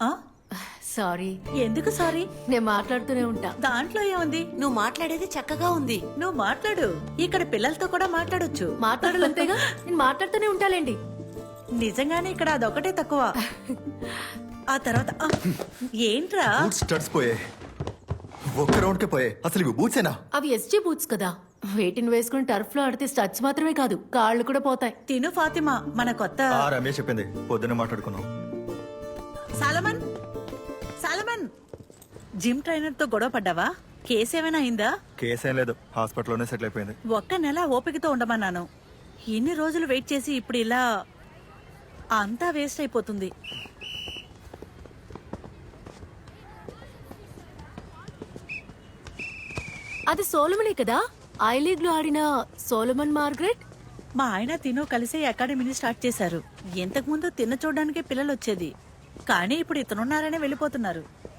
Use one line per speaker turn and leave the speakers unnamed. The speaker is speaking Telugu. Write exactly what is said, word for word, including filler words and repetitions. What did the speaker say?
ఆ?
సారీ,
ఎందుకు సారీ?
నేను మాట్లాడుతూనే ఉంటా.
దాంట్లో ఏముంది?
నువ్వు మాట్లాడేది చక్కగా ఉంది.
నువ్వు మాట్లాడు, ఇక్కడ పిల్లలతో కూడా మాట్లాడొచ్చు.
మాట్లాడాలంతేగా, నేను మాట్లాడుతూనే ఉంటాలేండి.
నిజంగానే ఇక్కడ అదొకటే తక్కువ. ఆ తర్వాత ఆ, ఏంట్రా?
బూట్స్ స్టడ్స్ పోయే ఒక్క రౌండ్ కే పోయే. అసలు ఇవి బూట్సేనా?
అవి ఎస్జీ బూట్స్ కదా, వేటిని వేసుకుని టర్ఫ్ లో ఆడితే స్టచ్ మాత్రమే కాదు కాళ్ళు కూడా పోతాయి.
తిను ఫాతిమా, మన కొత్త
ఆ రమేష్ చెప్పింది, పొద్దున్న మాట్లాడుకున్నాం.
సాలమన్ సాలమన్ జిమ్ ట్రైనర్ తో గొడవ పడ్డావా? కేసు ఏమైనా అయిందా?
కేసు ఏం లేదు, హాస్పిటల్లోనే సెటిల్ అయిపోయింది.
ఒక్క నెల ఓపికతో ఉండమన్నాను. ఇన్ని రోజులు వెయిట్ చేసి ఇప్పుడు ఇలా అంతా వేస్ట్ అయిపోతుంది.
అది సోలమనే కదా, ఐ లీగ్ లో ఆడిన సోలమన్ మార్గరెట్.
మా ఆయన తిను కలిసి అకాడమీని స్టార్ట్ చేశారు. ఇంతకు ముందు తిన్న చూడడానికే పిల్లలు వచ్చేది, కానీ ఇప్పుడు ఇతనున్నారనే వెళ్ళిపోతున్నారు.